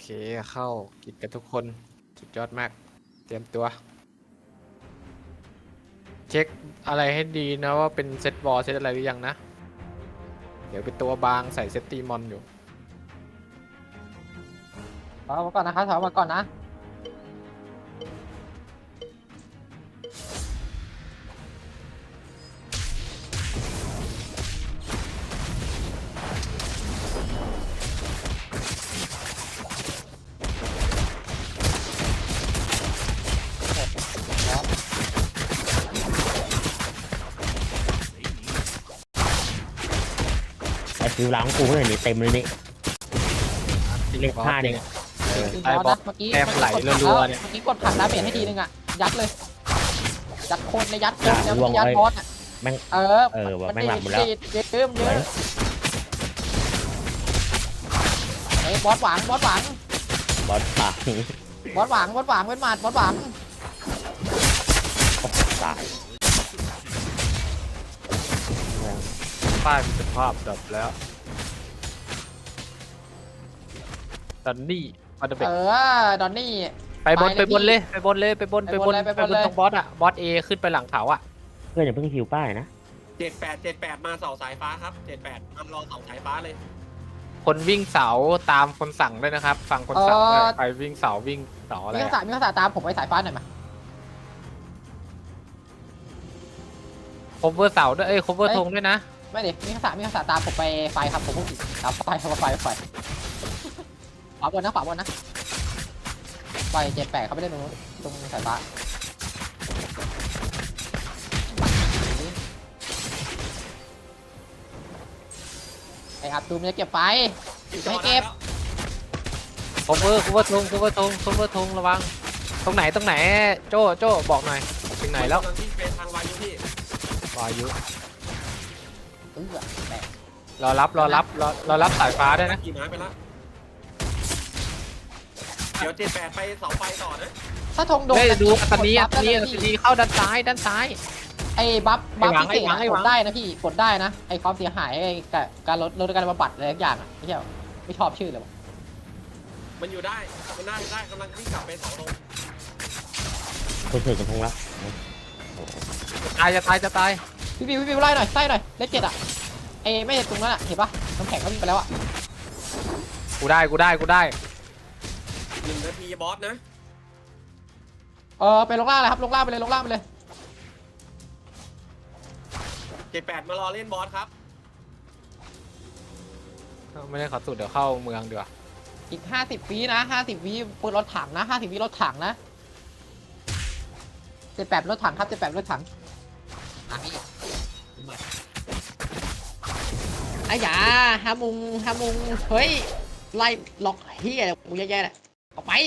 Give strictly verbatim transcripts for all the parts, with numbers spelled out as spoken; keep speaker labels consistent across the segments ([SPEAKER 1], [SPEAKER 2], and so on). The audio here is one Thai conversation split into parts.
[SPEAKER 1] เข้ากิจกันทุกคนสุดยอดมากเตรียมตัวเช็คอะไรให้ดีนะว่าเป็นเซตบอลเซตอะไรหรือยังนะเดี๋ยวเป็นตัวบางใส่เซตตีมอนอยู่
[SPEAKER 2] ถอยมาก่อนนะครับถอยมาก่อนนะ
[SPEAKER 3] ไอ้ฟิวล้างกูเมื่อไหร่นี่เต็มเลยนี่เล็กผ้าเนี่ย
[SPEAKER 1] เออ
[SPEAKER 2] คือ
[SPEAKER 1] ใต้
[SPEAKER 2] บบ อ
[SPEAKER 1] อ
[SPEAKER 2] ส
[SPEAKER 1] ส
[SPEAKER 2] นะเมื่อกี้
[SPEAKER 1] แต้มไหลรัวๆเนี่ย
[SPEAKER 2] เมื่อกี้กดผักดาเมจให้ทีนึงอ่ะยัดเลยยัดโคนในยัดโคนแล้วยัดบอสอ่ะ
[SPEAKER 3] แม่ง
[SPEAKER 2] เออ
[SPEAKER 3] เออว่ะแม่งหลับหมดแล้ว
[SPEAKER 2] เยอะเยอะเยอะเฮ้ยบอสหวังบอสหวัง
[SPEAKER 3] บอสป่า
[SPEAKER 2] บอสหวังบอสหวังเป็นหมัดบอสหวัง
[SPEAKER 3] ตาย
[SPEAKER 1] ป้ายเป็นภาพดับแล้วตอนนี้มาเดเบ
[SPEAKER 2] เออดอนนี่
[SPEAKER 1] ไปบน
[SPEAKER 2] ไป
[SPEAKER 1] ไป
[SPEAKER 2] เลย
[SPEAKER 1] บนเลยไปบนเลยไปบน
[SPEAKER 2] ไป
[SPEAKER 1] ไป
[SPEAKER 2] บบ น
[SPEAKER 1] น
[SPEAKER 2] เลยไปบนเลย
[SPEAKER 1] ตรงบอสอะบอสเอขึ้นไปหลังเขาอะ
[SPEAKER 3] เพื่อนอย่าเพิ่งฟิวป้ายนะ
[SPEAKER 4] เจ็ดแปดเจ็ดแปดมาเสาสายฟ้าครับเจ็ดแปดทำรอเสาสายฟ้าเลย
[SPEAKER 1] คนวิ่งเสาตามคนสั่งด้วยนะครับฟังคนสั่งด้วยใครวิ่งเสาวิ่งเสาอะไร
[SPEAKER 2] มี
[SPEAKER 1] อะ
[SPEAKER 2] ภาษามีภาษาตามผมไปสายฟ้าหน่อยมา
[SPEAKER 1] คบเวอร์เสาด้วยเอ้ยคบเวอร์ธงด้วยนะ
[SPEAKER 2] ไม่ดิมีภาษามีภาษาตามผมไปไฟครับผมพูดผิดตามไฟครับไฟไฟขวาบนนะขวาบนนะไฟเจ็ดแปดเขาไม่ได้ตรงนู้นตรงสายฟ้าไออับตูมจะเก็บไฟ ไม่เก็บ
[SPEAKER 1] คบเวอร์คบเวอร์ธงคบเวอร์ธงคบเวอร์ธงระวังตรงไหนตรงไหนโจ้โจ้บอกหน่อยถึงไหนแล้ว
[SPEAKER 4] กำลังที่เป็นทางวายุพี่
[SPEAKER 1] วายุ
[SPEAKER 2] เออแตก
[SPEAKER 1] รอรับรอรับรอรอรับสายฟ้าด้วยนะ
[SPEAKER 4] ขี่ม้าไปแล้วเดี๋ยวเจ็ดแปดไปเสาไฟต่อนะ
[SPEAKER 2] ถ้าธงโดน
[SPEAKER 1] เฮ้ยดูอัตนี
[SPEAKER 2] ก
[SPEAKER 1] อั
[SPEAKER 2] ด
[SPEAKER 1] ต
[SPEAKER 2] บัฟ
[SPEAKER 1] นี
[SPEAKER 2] ได้
[SPEAKER 1] อั
[SPEAKER 2] นะ
[SPEAKER 1] ต
[SPEAKER 2] พี่
[SPEAKER 1] นีเข้าด้านซ้ายด้านซ้าย
[SPEAKER 2] ไอ้บัฟบัฟ
[SPEAKER 1] ไอ้หวัง
[SPEAKER 2] พิเศษ
[SPEAKER 1] ไอ้หวังไอ้หวั
[SPEAKER 2] อะก
[SPEAKER 1] ง
[SPEAKER 2] ดได้นะพี่กดได้นะไอ้ความเสียหายไอ้กับการลดลดการบำบัดอะไรทุกอย่างอะไม่ใช่ไม่ชอบชื่อเลยวะ
[SPEAKER 4] มันอยู่ได้มันน่าจะได้กำลังวิ่งกลับไปเสาลง
[SPEAKER 3] คนถือกระทงแล้ว
[SPEAKER 1] ตายจะตายจะตาย
[SPEAKER 2] พี่บิวพี่บิวไล่หน่อยไล่หน่อยเลขเจ็ดอะไอ้ไม่ใช่ตรงนั้นอะเห็นปะน้ำแข็งเขาวิ่งไปแล้วอะ
[SPEAKER 1] กูได้กูได้กูได้
[SPEAKER 4] หนึ่งนาทีบอสนะ
[SPEAKER 2] เออไปลงล่างเลยครับลงล่างไปเลยลงล่างไปเลย
[SPEAKER 4] เจ็ดแปดมารอเล่นบอสครับ
[SPEAKER 1] ไม่ได้ขอสุดเดี๋ยวเข้าเมืองดีกว่า
[SPEAKER 2] อีกห้าสิบวินะห้าสิบวิปืนรถถังนะห้าสิบวิรถถังนะเจ็ดแปดรถถังครับเจ็ดแปดรถถังอ่ะพี่ไอ้หยาฮามุงฮามุงเฮ้ยไล่ล็อกเฮียกูแย่ๆแหละออกไป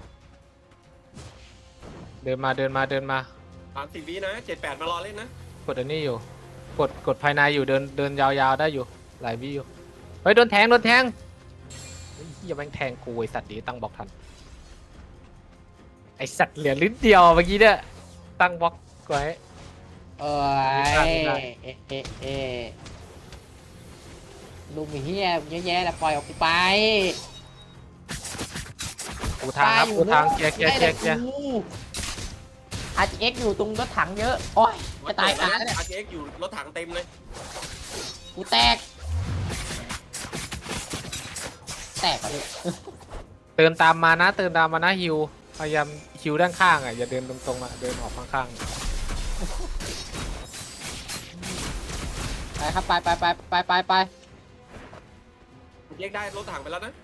[SPEAKER 1] เดินมาเดินมาเดินมา
[SPEAKER 4] สามสิบวินะเจ็ดแปดมารอเล่นนะ
[SPEAKER 1] กดอันนี้อยู่กดกดภายในอยู่เดินเดินยาวๆได้อยู่หลายวิอยู่เฮ้ยโดนแทงโดนแทงเฮ้ยอย่าแม่งแทงกูไอสัตว์ดีตั้งบล็อกทันไอสัตว์เหลือลิ้นเดียวเมื่อกี้เนี่ยตั้งบล็อกไว้
[SPEAKER 2] เอ้
[SPEAKER 1] ไม่
[SPEAKER 2] ย
[SPEAKER 1] ได้
[SPEAKER 2] เอ๊ะเอ๊ะเอ๊ะลุงเฮียเยอะแยะแล้วปล่อยออกไป
[SPEAKER 1] กูทางครับกูทางเคลียร์เคลียร์เคลียร์เคลียร์
[SPEAKER 2] อาร์จีเอ็กอยู่ตรงรถถังเยอะโอ้ยจะตาย
[SPEAKER 4] แล้
[SPEAKER 2] ตายว แล้วเนี่ย
[SPEAKER 4] อาร์เอ็กอยู่รถถังเต็มเลย
[SPEAKER 2] กูแตกแตกอ่ะพี่
[SPEAKER 1] เดินตามมานะเดินตามมานะฮิวพยายามฮิวด้านข้างอ่ะอย่าเดินตรงๆอ่ะเดินออกข้าง
[SPEAKER 2] ไปครับไปไปไปไปไปไป
[SPEAKER 4] เรียกได้รถถังไปแล้วนะ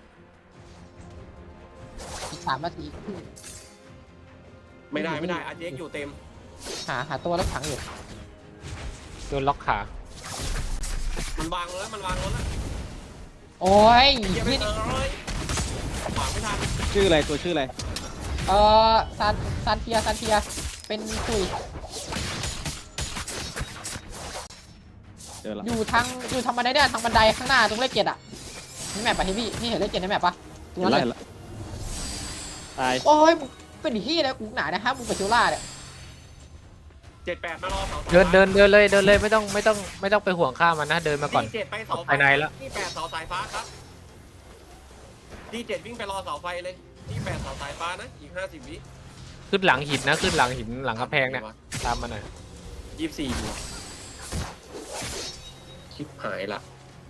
[SPEAKER 2] อีกสามนาที
[SPEAKER 4] ไม่ได้ไม่ได้อาร์เอ็กอยู่เต็ม
[SPEAKER 2] หาหาตัวรถถังอยู่
[SPEAKER 1] ๆโดนล็อกขา
[SPEAKER 4] มันวางรถแล้วมันวางรถแล้ว
[SPEAKER 2] โอ้ย
[SPEAKER 4] เยี่ยมไป
[SPEAKER 2] พี่
[SPEAKER 4] เลยขวางไม่ทัน
[SPEAKER 5] ชื่ออะไรตัวชื่ออะไร
[SPEAKER 2] เออซานซานเทียซานเทียเป็นคุย
[SPEAKER 5] เจอแล้ว
[SPEAKER 2] อยู่ทางอยู่ทางบันไดเนี่ยทางบันไดข้างหน้าตรงเลขเจ็ดอ่ะนี่แมปปะที่พี่พี่เห็นเลขเจ็ดในแมปปะตรง
[SPEAKER 5] เห็
[SPEAKER 2] นั้น น
[SPEAKER 5] แล้ว
[SPEAKER 2] เล
[SPEAKER 5] เห็น
[SPEAKER 2] ย
[SPEAKER 5] แล้วตาย
[SPEAKER 2] โอ้ยมึงเป็นที่นะกูหนานะฮะมึงไปเชียวล่าเนี่ย
[SPEAKER 4] เจ็ดแปดมารอเสา
[SPEAKER 1] เดินเดินเดินเลยเดินเลยไม่ต้องไม่ต้องไม่ต้องไปห่วงข้ามมันนะเดินมาก่อน
[SPEAKER 4] เจ็ดไปเสา
[SPEAKER 1] ภายในแล้ว
[SPEAKER 4] ที่แปดเสาสายฟ้าครับดีเจ็ดวิ่งไปรอเสาไฟเลยที่แปดเสาสายฟ้านะอีกห้าสิบวิ
[SPEAKER 1] ขึ้นหลังหินนะขึ้นหลังหินหลังกระแพงเนี่ยตามมาหน่อย
[SPEAKER 4] ยี่สิบสี่อยู่ชิบหายละ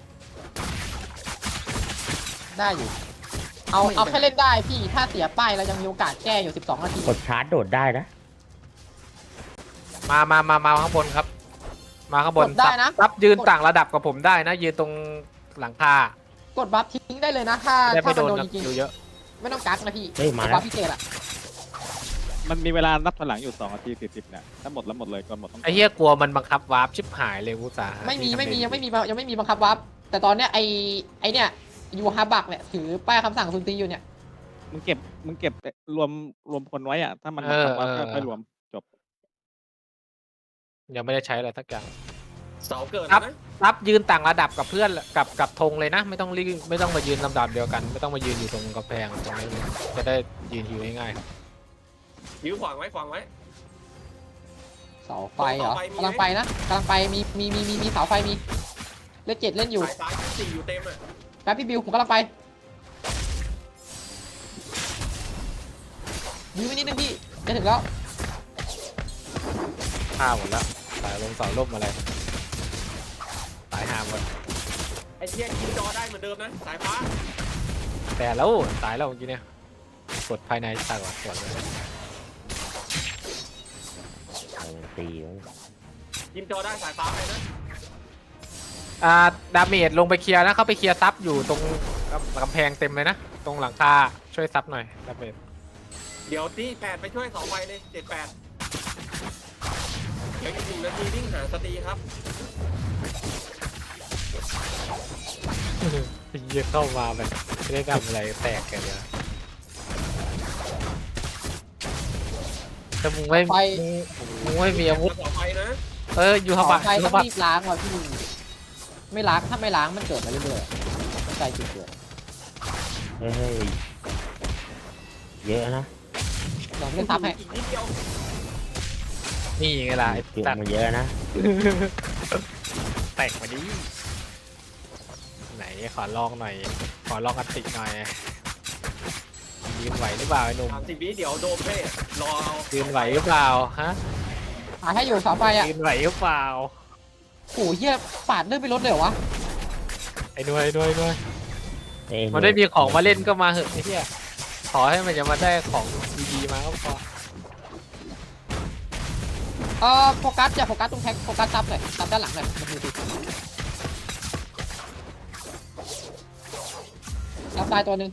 [SPEAKER 2] ได้อยู่ เอาเอาแค่เล่นได้พี่ถ้าเสียป้ายเรายังมีโอกาสแก้อยู่สิบสองนาที
[SPEAKER 3] กดชาร์จโดดได้นะ
[SPEAKER 1] มามามามาข้างบนครับ มาข้างบน
[SPEAKER 2] กดได้นะ
[SPEAKER 1] ซับยืนต่างระดับกับผมได้นะยืนตรงหลังคาก
[SPEAKER 2] ดบัฟทิ้งได้เลยนะถ้า
[SPEAKER 1] ได้
[SPEAKER 2] ถ้า
[SPEAKER 1] ไม่
[SPEAKER 2] มัน
[SPEAKER 1] โดน
[SPEAKER 2] โดน
[SPEAKER 1] กับ
[SPEAKER 2] จริง
[SPEAKER 1] อยู่เยอะ
[SPEAKER 2] ๆไม่ต้องกักนะพี่
[SPEAKER 3] เฮ้ยมาก
[SPEAKER 2] ด
[SPEAKER 3] แล้
[SPEAKER 2] บั
[SPEAKER 3] ว
[SPEAKER 2] ฟพิเศษอะ
[SPEAKER 5] มันมีเวลานับถอยหลังอยู่สองนาทีสี่สิบเนี่ยถ้าหมดแล้วหมดเลยก่อนหมดต้อง
[SPEAKER 1] ไอ้เหี้ยกลัวมันบังคับวาร์ปชิบหายเลยกูสาหา
[SPEAKER 2] ไม่มี
[SPEAKER 1] ที่ทำ
[SPEAKER 2] ไม่มี
[SPEAKER 1] เล
[SPEAKER 2] ยังไม่มียังไม่มีบังคับวับแต่ตอนเนี้ยไอไอเนี่ยยูฮาบักเนี่ยถือป้ายคำสั่งซุนตีอยู่เนี่ย
[SPEAKER 5] มึงเก็บมึงเก็บรวมรวมคนไว้อะถ้ามันบังคับว่าก็ค่อยรวมจบ
[SPEAKER 1] ยังไม่ได้ใช้อะไรสักอย่าง
[SPEAKER 4] เสาเกิด
[SPEAKER 1] ครั
[SPEAKER 4] แล้ว
[SPEAKER 1] บ
[SPEAKER 4] นะ
[SPEAKER 1] ซับยืนต่างระดับกับเพื่อนกับกับธงเลยนะ ไม่ต้องรีบไม่ต้องมายืนลำดับเดียวกัน ไม่ต้องมายืนอยู่ตรงกระแพงตรงนี้เลยจะได้ยืนฮิวง่าย
[SPEAKER 4] ยื้อขวางไว้ขวางไว้
[SPEAKER 2] เสาไฟเหรอ
[SPEAKER 4] เสาไฟมีไหม
[SPEAKER 2] กำลังไปนะกำลังไปมีมีมีมีมีเสาไฟมีเลขเจ็ดเล่นอยู่
[SPEAKER 4] สายฟ้ายี่สิบสี่อยู่เต็มอ่ะ
[SPEAKER 2] แป๊บพี่บิวผมกำลังไปยื้อไว้นิดนึงพี่จะถึงแล้ว
[SPEAKER 1] ๆฆ่าหมดแล้วสายลงเสาล่มอะไรสายหามหมด
[SPEAKER 4] ไอ้เหี้ยกินจอได้เหมือนเดิมนะสายฟ้า
[SPEAKER 1] แต่แล้วตายแล้วเมื่อกี้เนี่ยกดภายในตายก่อนก่อนเลย
[SPEAKER 3] เอาตีไว้
[SPEAKER 4] กินจอได้สายฟ้าไปนะ
[SPEAKER 1] อ่าดาเมจลงไปเคลียร์นะเข้าไปเคลียร์ซับอยู่ตรงกำแพงเต็มเลยนะตรงหลังคาช่วยซับหน่อยดาเมจ
[SPEAKER 4] เดี๋ยวที่แปดไปช่วยเสาไฟเลยเจ็ดแปดเดี๋ยวอีกหนึ่งนาทีวิ่งหาสตรีครับ
[SPEAKER 1] เยอะเข้ามาแบบไม่ได้ทำอะไรแตกกันเลยแต่มึงไม่
[SPEAKER 2] ไฟ
[SPEAKER 1] มึงไม่มีอาวุธ
[SPEAKER 4] เสาไฟนะ
[SPEAKER 1] เอออยู่
[SPEAKER 2] เสา
[SPEAKER 1] ข้างบน
[SPEAKER 2] ไฟ
[SPEAKER 1] อยู่
[SPEAKER 2] ต้อ
[SPEAKER 1] ข้างบน
[SPEAKER 2] งรีบล้างว่ะพี่ไม่ล้างถ้าไม่ล้างมันเกิดมาเรื่อยๆต้องใจจุดเกิด
[SPEAKER 3] เฮ้ยเยอะนะ
[SPEAKER 2] เดี๋ยวผมเล่นซับให้
[SPEAKER 4] อีกนิดเดียว
[SPEAKER 1] นี่ไงล่ะไอ้
[SPEAKER 3] เกี่ยว
[SPEAKER 1] ตัด
[SPEAKER 3] มาเยอะนะ
[SPEAKER 1] แตกมาดิไหนขอลองหน่อย ขอลองอัติหน่อยยืนไหวหรือเปล่าไอ้หนุ่ม
[SPEAKER 4] สามสิบวิเดี๋ยวโดมให้รอเอา
[SPEAKER 1] ยืนไหวหรือเปล่าฮะ
[SPEAKER 2] หาให้อยู่เสาไฟอ่ะ
[SPEAKER 1] ยืนไหวหรือเปล่า
[SPEAKER 2] โอ้โหเหี้ยปาดเลื่อนไปรถเลยเหรอวะ
[SPEAKER 1] ไอ้หน่วยหน่วยหน่วย
[SPEAKER 3] เอ้ย
[SPEAKER 1] มันได้มีของมาเล่นก็มาเหอะไอ้เหี้ยขอให้มันจะมาได้ของดีๆมาก็พอ
[SPEAKER 2] เออโฟกัสอย่าโฟกัสตรงแท็กโฟกัสซับหน่อยซับด้านหลังหน่อยมันดูดิซับตายตัวหนึ่ง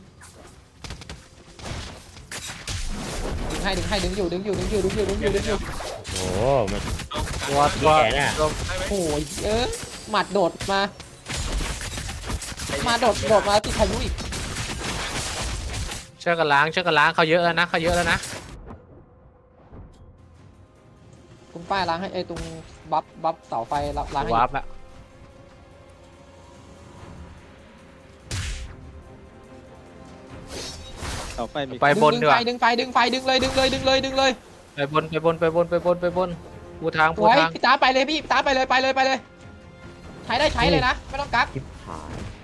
[SPEAKER 2] ดึงให้ดึงให้ดึงอยู่ดึงอยู่ดึงอยู่ดึงอยู่ดึงอยู่ดึงอยู่
[SPEAKER 3] โอ้โหมัน
[SPEAKER 1] ตัวตัว
[SPEAKER 3] แย่น่ะ
[SPEAKER 1] ตัว
[SPEAKER 4] ได้ไหม
[SPEAKER 2] โอ้ยเออหมัดโดดมา มาโดดโดดมาติดพายุอีก
[SPEAKER 1] เชือกกันล้างเชือกกันล้างเขาเยอะแล้วนะเขาเยอะแล้วนะ
[SPEAKER 2] ตรงป้ายล้างให้ไอ้ตรงบัฟบัฟเสาไฟล้างให้
[SPEAKER 1] วาร์ปละ
[SPEAKER 5] เสาไฟมี
[SPEAKER 1] ไปบน
[SPEAKER 2] ดึง
[SPEAKER 1] ดีก
[SPEAKER 2] ไฟ
[SPEAKER 1] ว่า
[SPEAKER 2] ดึงไฟดึงไฟดึงเลยดึงเลยดึงเลยดึงเลย
[SPEAKER 1] ไปบนไปบนไปบนไปบนไปบนปูทาง
[SPEAKER 2] ส
[SPEAKER 1] ปู
[SPEAKER 2] วย
[SPEAKER 1] ทาง
[SPEAKER 2] พี่ตาไปเลยพี่ตาไปเลยไปเลยไปเลย ใช้ได้ใช้เลยนะไม่ต้องกัก
[SPEAKER 3] ชิบหาย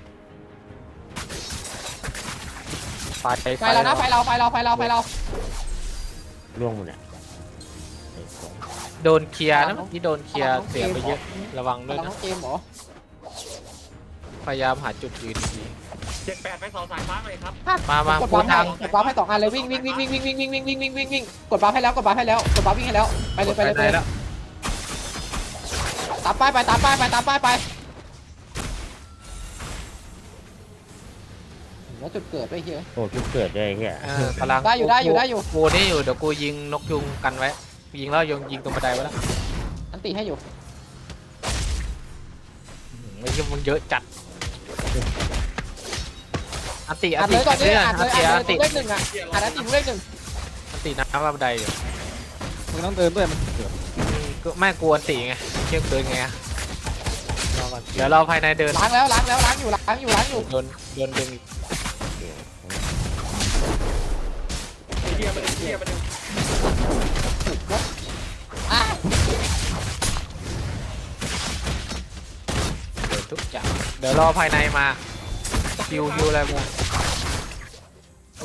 [SPEAKER 1] ไฟ
[SPEAKER 2] ไฟเรานะไฟเราไฟเราไฟเราไฟเรา
[SPEAKER 3] ร่วงหมดอ่ะ
[SPEAKER 1] โดนเคลียร์นะเมื่อกี้โดนเคลียร์เสียไปเยอะระวังด้วย
[SPEAKER 2] เรา
[SPEAKER 1] นะ
[SPEAKER 2] ต้องเกมเหรอ
[SPEAKER 1] พยายามหาจุดยืนดี
[SPEAKER 4] เจ็ดแปดไปเสาสายฟ้าหน่อยครับ
[SPEAKER 1] มามา
[SPEAKER 2] กด
[SPEAKER 1] ปู
[SPEAKER 2] บัฟให้
[SPEAKER 1] ทาง
[SPEAKER 2] กดบัฟให้สองอันเลยวิ่งวิ่งวิ่งวิ่งวิ่งวิ่งวิ่งวิ่งวิ่งวิ่งวิ่งวิ่งกดบัฟให้แล้วกดบัฟให้แล้วกดบัฟวิ่งให้แล้วไปเลยไปเลยไป
[SPEAKER 1] ไหน
[SPEAKER 2] เลย
[SPEAKER 1] แล้ว
[SPEAKER 2] ตามป้ายไปตามป้ายไปตามป้ายไปแล้วจุดเกิดไปเฮีย
[SPEAKER 3] โอ้ชุดเกิดด้วยไอ้เฮีย
[SPEAKER 1] เออพลัง
[SPEAKER 2] ได้อยู่ได้อยู่ได้อยู่
[SPEAKER 1] กูนี่อยู่เดี๋ยวกูยิงนกยุงกันไว้ยิงแล้วยงยิงตรงบันไดไว้แล้ว
[SPEAKER 2] อันตีให้อยู่
[SPEAKER 1] ไม่ใช่มึงเยอะจัดอันติอั
[SPEAKER 2] อั
[SPEAKER 1] น
[SPEAKER 2] ด
[SPEAKER 1] ติ
[SPEAKER 2] เลยก่อนเลย
[SPEAKER 1] อั
[SPEAKER 2] อั
[SPEAKER 1] น
[SPEAKER 2] ดเลย
[SPEAKER 1] ติ
[SPEAKER 2] อั
[SPEAKER 1] อั
[SPEAKER 2] ด
[SPEAKER 1] น
[SPEAKER 2] เลย
[SPEAKER 1] ติ
[SPEAKER 2] ตัวเลขหนึ่งอ่ะอัดอันตีตัวเลขหนึ่ง
[SPEAKER 1] อันติน้ำบันไดอยู่
[SPEAKER 5] มึงต้องเดินด้วยมันเกิด
[SPEAKER 1] อืมก็ไม่กลัวอันติไงเชื่อเกินไงอะรอก่อนเดี๋ยวเราภายในเดิน
[SPEAKER 2] ล้างแล้วล้างแล้วล้างอยู่ล้างอยู่ล้างอยู่
[SPEAKER 1] โดนโดนดึงอีก
[SPEAKER 4] ไอ้เหี้ยมันไอ้เหี้ยมัน
[SPEAKER 2] อ่ะ
[SPEAKER 1] โดนทุกอย่างเดี๋ยวรอภายในมาคิวคิวอะไรมา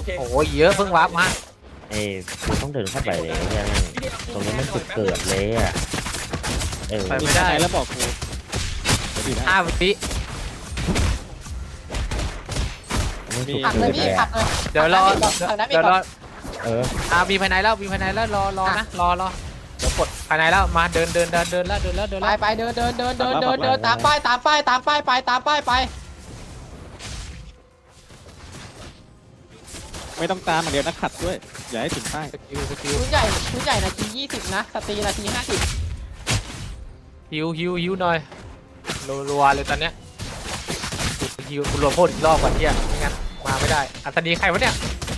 [SPEAKER 4] เค
[SPEAKER 1] โอ้ยเยอะเพิ่งวาร์ปมา
[SPEAKER 3] เอ้ยกูต้องเดินเข้าไปเลยใช่ไหมตรงนี้มันจุดเกิดเลยอ่ะเออ
[SPEAKER 1] ไปไม่ได้
[SPEAKER 5] แล้วบอกกูเดี๋ยวดีนะ
[SPEAKER 1] ห้าวิ
[SPEAKER 3] มันจุด
[SPEAKER 2] ผักเล
[SPEAKER 3] เกิ
[SPEAKER 2] ย
[SPEAKER 3] ด
[SPEAKER 2] พี่
[SPEAKER 3] เลย
[SPEAKER 2] ผั
[SPEAKER 3] อะ
[SPEAKER 2] กเลย
[SPEAKER 1] เดี๋ยวรอ
[SPEAKER 2] ผักน้ำอี
[SPEAKER 1] เดี๋
[SPEAKER 2] ก
[SPEAKER 1] ยว
[SPEAKER 2] ก่
[SPEAKER 1] ร
[SPEAKER 2] อ
[SPEAKER 1] อน
[SPEAKER 3] เออ
[SPEAKER 1] อ่ามีภายในแล้วมีภายในแล้วรอรอนะรอรอเดี๋ยวกดภายในแล้วมาเดินเดินเดินเดินแล้วเดินแล้วเดิน
[SPEAKER 2] ไป
[SPEAKER 1] แล้ว
[SPEAKER 2] ไปเดินเดินเดินเดินเดินเดินตามป้ายตามป้ายตามป้ายไปตามป้ายไป
[SPEAKER 5] ไม่ต้องตามอย่างเดียวนะขัดด้วยอย่าให้ถึงป้าย
[SPEAKER 1] สกิลสกิล
[SPEAKER 2] ชุดใหญ่ชุดใหญ่นาทียี่สิบนะสตรีนาทีห้าสิบ
[SPEAKER 1] ฮิวฮิวฮิวหน่อยรัวๆเลยตอนเนี้ยฮิวกูรวมโพดอีกรอบก่อนเที่ยไม่งั้นมาไม่ได้อัศนีใครวะเนี่ย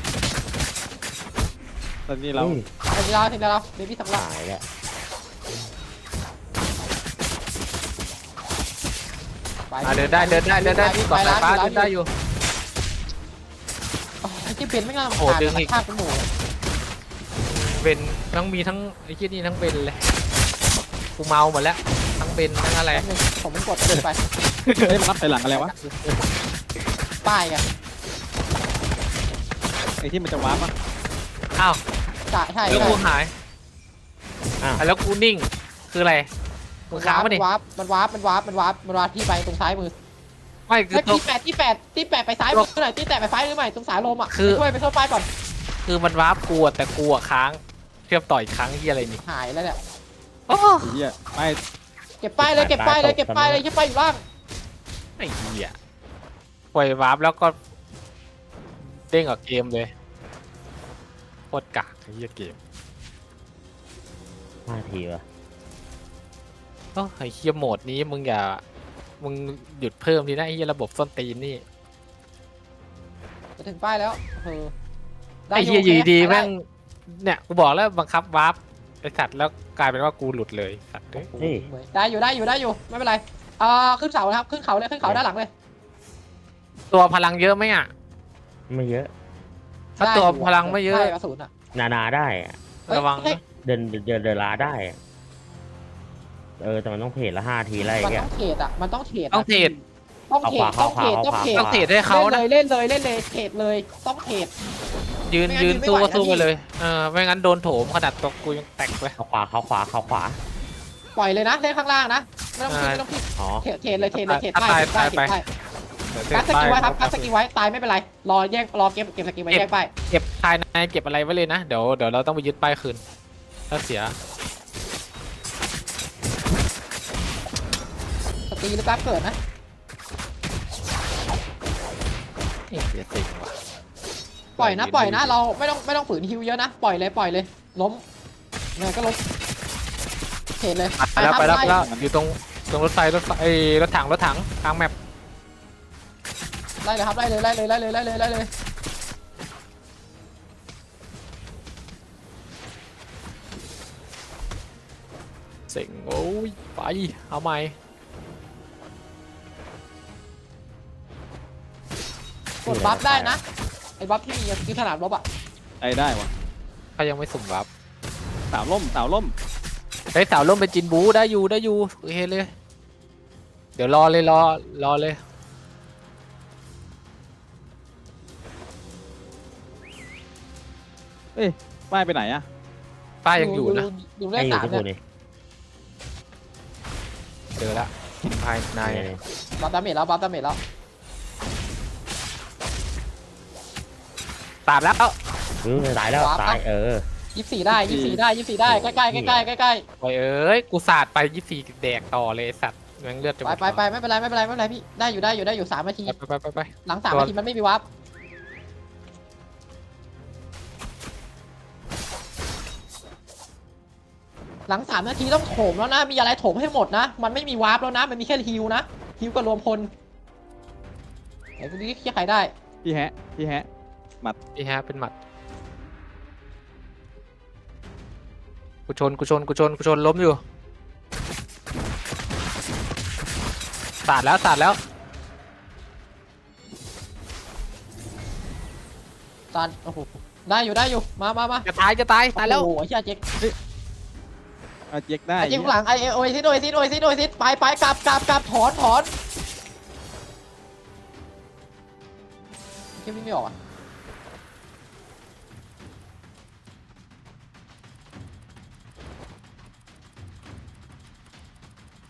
[SPEAKER 5] ตอนนี้เรา
[SPEAKER 3] อุ้ย
[SPEAKER 2] ถึงเราถึงเราเบบี้สำลัก
[SPEAKER 3] ตายแล้ว
[SPEAKER 1] อ่าเดินได้เดินได้เดินได้ก่อนสายฟ้าเดินได้อยู่
[SPEAKER 2] ไอ้ที่เป็นไม่น่า
[SPEAKER 1] โอ้
[SPEAKER 2] ขาด
[SPEAKER 1] ดึงอีก
[SPEAKER 2] ข้างเป็นหมู
[SPEAKER 1] เบนทั้งมีทั้งไอ้ที่นี่ทั้งเบนเลยกูเมาหมดแล้วทั้งเบนทั้งอะไร
[SPEAKER 2] ผมไม่กดเดินไป
[SPEAKER 5] เฮ้ยมันรับไปหลังอะไรวะ
[SPEAKER 2] ป้ายไง
[SPEAKER 5] ไอ้ที่มันจะวาร์ปอ่ะ
[SPEAKER 1] อ้าว
[SPEAKER 2] จ่ายใช่
[SPEAKER 1] แล้ว
[SPEAKER 2] ใช่
[SPEAKER 1] กูหาย
[SPEAKER 3] อ้าว
[SPEAKER 1] อ่ะแล้วกูนิ่งคืออะไรมึงค้างมาดิ
[SPEAKER 2] วาร์ปมันวาร์ปมันวาร์ปมันวาร์ปมันวาร์ปที่ไปตรงซ้ายมือ
[SPEAKER 1] ไม่คือ
[SPEAKER 2] แล้ว
[SPEAKER 1] ตัว
[SPEAKER 2] ที่แปดที่แปดที่แปดไปซ้ายมือหน่อยที่แปดไปซ้ายมือหน่อยตรงสายลมอ่ะ
[SPEAKER 1] คือ
[SPEAKER 2] ไปช่วยไปช่วยป้ายก่อน
[SPEAKER 1] คือมันวาร์ปกูอะแต่กูอะค้างเทียบต่ออีกครั้งที่อะไรนี่
[SPEAKER 2] หายแล้วเนี่ย
[SPEAKER 1] โอ้
[SPEAKER 5] ไอ้เหี้ยไม่
[SPEAKER 2] เก็บป้ายเลยเก็บป้ายเลยเก็บป้ายเลยที่ป้ายอยู่ล่าง
[SPEAKER 1] ไอ้เหี้ยปล่อยวาร์ปแล้วก็เด้งออกเกมเลยโคตรกากไอ้เหี้ยเกม
[SPEAKER 3] ห้าทีวะ
[SPEAKER 1] โอ้ไอ้เหี้ยโหมดนี้มึงอย่ามึงหยุดเพิ่มทีนะไอ้เหี้ยระบบส้นตีนนี่
[SPEAKER 2] จะถึงป้ายแล้วเออ
[SPEAKER 1] ไอ้เหี้ยอยู่ดีๆแม่งเนี่ยกูบอกแล้วบังคับวาร์ปไอ้สัตว์แล้วกลายเป็นว่ากูหลุดเลยสัตว์เอ้ย
[SPEAKER 3] เฮ้ย
[SPEAKER 2] ได้อยู่ได้อยู่ได้อยู่ไม่เป็นไรเอ่อขึ้นเสานะครับขึ้นเขาเลยขึ้นเขาด้านหลังเลย
[SPEAKER 1] ตัวพลังเยอะไหมอ่ะ
[SPEAKER 3] ไม่เยอะ
[SPEAKER 1] ถ้าตัวพลังไม่เยอะ
[SPEAKER 2] ใช่กระสุนอ่ะ
[SPEAKER 3] นานาได้อะ
[SPEAKER 1] ระวัง
[SPEAKER 2] เฮ้ย
[SPEAKER 1] นะ
[SPEAKER 3] เดินเดินเดินลาได้อะเออแต่มันต้องเพจละห้าทีอะไร
[SPEAKER 2] มัน
[SPEAKER 3] เงี้
[SPEAKER 2] ต้
[SPEAKER 3] ย
[SPEAKER 2] องเทรดอ่ะมันต้องเทรด
[SPEAKER 1] ต้องเทรด
[SPEAKER 2] ต้องเทรด
[SPEAKER 3] เอา
[SPEAKER 2] ต้อง
[SPEAKER 3] ขวา
[SPEAKER 2] เทรด
[SPEAKER 3] เอาขวา
[SPEAKER 2] ต้องเทรด
[SPEAKER 1] ต้องเทรดให้เขานะ
[SPEAKER 2] เล่นเลยเล่นเลยเทรดเลยต้องเทรด
[SPEAKER 1] ยืน
[SPEAKER 2] ไม่งั้น
[SPEAKER 1] ยืน
[SPEAKER 2] ยืนไม่
[SPEAKER 1] สู้
[SPEAKER 2] ไหว
[SPEAKER 1] ก็
[SPEAKER 2] นะ
[SPEAKER 1] สู้
[SPEAKER 2] พี่
[SPEAKER 1] ไปเลยเออไม่งั้นโดนโถมขนาดตัวกูยังแตกเลย
[SPEAKER 3] เขาขวาเขาขวาเขาขวา
[SPEAKER 2] ปล่อยเลยนะเล่นข้างล่างนะไม่ต้องคิด
[SPEAKER 1] อ่า
[SPEAKER 2] ไม่ต้องคิด
[SPEAKER 3] อ๋อ
[SPEAKER 2] เทรดเทรดเลยเทรดเลยเทรด
[SPEAKER 1] ถ้า
[SPEAKER 2] ได้
[SPEAKER 1] ตาย
[SPEAKER 2] เทรดได้
[SPEAKER 1] ตาย
[SPEAKER 2] เทรดได้กัดสกิลไว้ครับกัดสกิลไว้ตายไม่เป็นไรรอแยกรอเก็บเก็บสกิลไว้แยกไป
[SPEAKER 1] เก็บภายในเก็บอะไรไว้เลยนะเดี๋ยวเดี๋ยวเราต้องไปยึดป้ายคืนถ้าเสีย
[SPEAKER 2] สตรีหรือแป๊บเกิดนะ
[SPEAKER 1] เอ๊ะเสียสิงว่ะ
[SPEAKER 2] ปล่อยนะปล่อยนะเราไม่ต้องไม่ต้องฝืนฮิวเยอะนะปล่อยเลยปล่อยเลยล้มเนี่ยก็ล้มเทรดเลย
[SPEAKER 1] ไปแล้วไปแล้วไป
[SPEAKER 2] ครับ
[SPEAKER 1] แล้วอยู่ตรงตรงรถไฟรถไฟเอ้ยรถถังรถถังกลางแมป
[SPEAKER 2] ไล่เลยครับไล่เลยไล่เลยไล่เลยไล่เลยไล่เลย
[SPEAKER 1] เสิงโอ้ยไปเอาใหม่
[SPEAKER 2] กดบัฟได้นะไอ้บัฟที่มีคือขนาดบัฟอะ
[SPEAKER 5] ไอ้ได้วะ
[SPEAKER 1] เขายังไม่สุ่มวับ
[SPEAKER 5] สาวล่มสาวล่ม
[SPEAKER 1] เฮ้ยสาวล่มเป็นจินบูได้อยู่ได้อยู่โอเคเลย เดี๋ยวรอเลยรอรอเลย
[SPEAKER 5] ป้ายไปไหนอ่ะ
[SPEAKER 1] ป้ายังอยู่นะ
[SPEAKER 2] อยู่เล
[SPEAKER 3] ให้
[SPEAKER 2] ข
[SPEAKER 3] อยู่
[SPEAKER 2] สาม
[SPEAKER 3] ที่กู
[SPEAKER 2] เนี่ย
[SPEAKER 3] นี่
[SPEAKER 1] เจอละภายใน
[SPEAKER 3] นี่
[SPEAKER 2] บัฟดาเมจแล้วบัฟดาเมจแล้ว
[SPEAKER 1] ตัดแล้ว
[SPEAKER 3] เออตายแล้วตายเออ
[SPEAKER 2] ยี่สิบสี่ได้ยี่สิบสี่ได้ยี่สิบสี่ได้ใกล้ใกล้ใกล้ใกล้ใกล้ใกล้
[SPEAKER 1] โอ้ยเอ้ยกูสาดไปยี่สี่แดกต่อเลยไอ้สัตว์แม่งเลือดจะหม
[SPEAKER 2] ไป
[SPEAKER 1] ด
[SPEAKER 2] ไปไปไม่เป็นไรไม่เป็นไรไม่เป็นไรพี่ได้อยู่ได้อยู่ได้อยู่สามนาที
[SPEAKER 1] ไปไปไปไป
[SPEAKER 2] หลังสามนาทีมันไม่มีวับหลังสามนาทีต้องโถมแล้วนะมีอะไรโถมให้หมดนะมันไม่มีวาร์ปแล้วนะมันมีแค่ฮิวนะฮิวกับรวมพลไอ้พวกนี้เคลียร์ใครได้
[SPEAKER 5] พี่แฮะพี่แฮะ
[SPEAKER 1] นี่ฮะเป็นหมัดกูชนกูชนกูชนกูชนล้มอยู่สาดแล้วสาดแล้ว
[SPEAKER 2] ตอนโอ้โหได้อยู่ได้อยู่มามามา
[SPEAKER 1] จะตายจะตายตายแล้ว
[SPEAKER 2] โอ้โหไอ้เหี้ยเจ๊ก
[SPEAKER 5] เอาเจ๊กได้
[SPEAKER 2] ไอ้เจ๊กข้างหลังไอ้โอ้ยซิดโอ้ยซิดโอ้ยซิดโอ้ยซิดไปไปกลับกลับกลับถอนถอนเจ๊วิ่งไม่ออกอ่ะ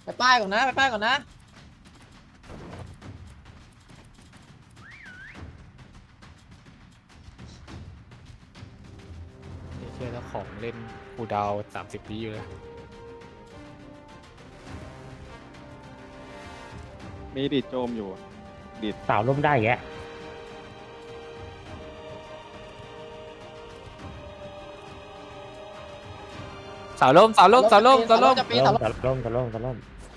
[SPEAKER 2] ไปป้ายก่อนนะไปป้ายก่อนนะ
[SPEAKER 1] นี่เชื่อเจ้าของเล่นกูดาวสามสิบปีอยู่เลย
[SPEAKER 5] มีดีดโจมอยู่ดีด
[SPEAKER 3] สาวล่มได้แยะ
[SPEAKER 1] เสาล่มเสาล่มเสาล่มเสาล่ม
[SPEAKER 2] จะปี
[SPEAKER 3] สา
[SPEAKER 2] เสา
[SPEAKER 3] ล่
[SPEAKER 2] ล่
[SPEAKER 3] ม
[SPEAKER 2] ม
[SPEAKER 3] สาวล่มสาวล่มสาวล่ม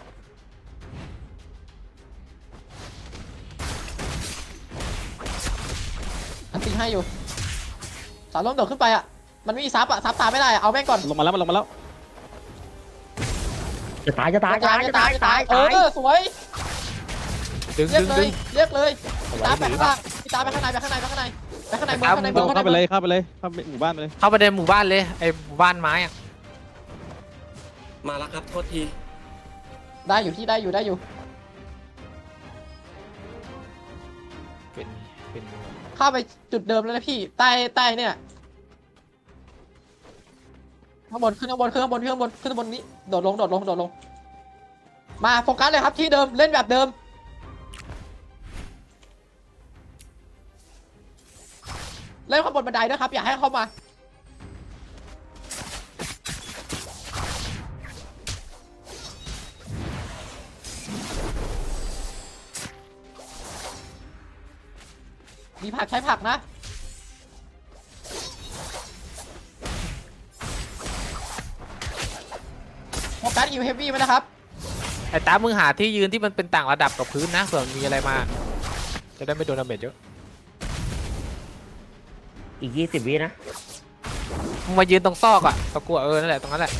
[SPEAKER 2] อันตีให้อยู่เสาล่มโดดขึ้นไปอ่ะมันไม่มีซับอ่ะซับตามไม่ได้อะเอาแม่งก่อน
[SPEAKER 5] ลงมาแล้วมันลงมาแล้ว
[SPEAKER 3] จะตายจะตาย
[SPEAKER 2] จะตายจะตายจะตายเออสวย
[SPEAKER 1] ดึง
[SPEAKER 2] เรีย
[SPEAKER 1] ดึ
[SPEAKER 2] ก
[SPEAKER 1] ง
[SPEAKER 2] เล
[SPEAKER 1] ดึ
[SPEAKER 2] ย
[SPEAKER 1] ง
[SPEAKER 2] เรียกเลย
[SPEAKER 3] เอา
[SPEAKER 2] ตาม
[SPEAKER 3] ไว้
[SPEAKER 2] ไป
[SPEAKER 3] ดี
[SPEAKER 2] ข้างล่างพี่ตามไปข้างในไปข้างในไปข้างในไปข้างในเมืองข้างในเมืองข้างใน
[SPEAKER 5] เข้าไป
[SPEAKER 2] เมือง
[SPEAKER 5] เลยเข้าไปเลยเข้าไปหมู่บ้านไปเลย
[SPEAKER 1] เข้าไปในหมู่บ้านเลยไอ้หมู่บ้านไม้อะ
[SPEAKER 4] มาแล้วครับโทษที
[SPEAKER 2] ได้อยู่ที่ได้อยู่ได้อยู่
[SPEAKER 1] เป็นเป็น
[SPEAKER 2] เข้าไปจุดเดิมแล้วนะพี่ใต้ใต้เนี่ยข้างบนขึ้นข้างบนขึ้นข้างบนขึ้นข้างบนขึ้นข้างบนนี้โดดลงโดดลงโดดลงมาโฟกัสเลยครับที่เดิมเล่นแบบเดิมเล่นข้างบนบันไดด้วยครับอย่าให้เข้ามามีผักใช้ผักนะโฟกัสอิวเฮฟวี่ไหมนะครับ
[SPEAKER 1] ไอ้ตามึงหาที่ยืนที่มันเป็นต่างระดับกับพื้นนะเผื่อมันมีอะไรมา จะได้ไม่โดนดาเมจเยอะ
[SPEAKER 3] อีกยี่สิบวินะ
[SPEAKER 1] มึงมายืนตรงซอกอะตะกัวเออนั่นแหละตรงนั้นแหละ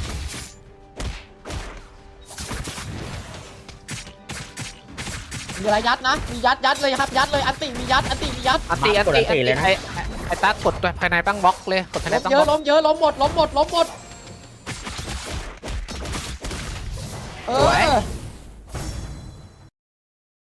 [SPEAKER 2] มีอะไรยัดนะ มียัดยัดเลยครับยัดเลยอันติมียัดอันติมียัด
[SPEAKER 1] อันตีอันตีอันตีไอ้ไอ้ไอ้ตากดภายในตั้งบล็อกเลยกดภายใน
[SPEAKER 2] ล้ม
[SPEAKER 1] ตั้ง
[SPEAKER 2] เย
[SPEAKER 1] บ
[SPEAKER 2] อะ
[SPEAKER 1] ล็อก
[SPEAKER 2] ล้มเยอะล้มหมดล้มหมดล้มหมดเออ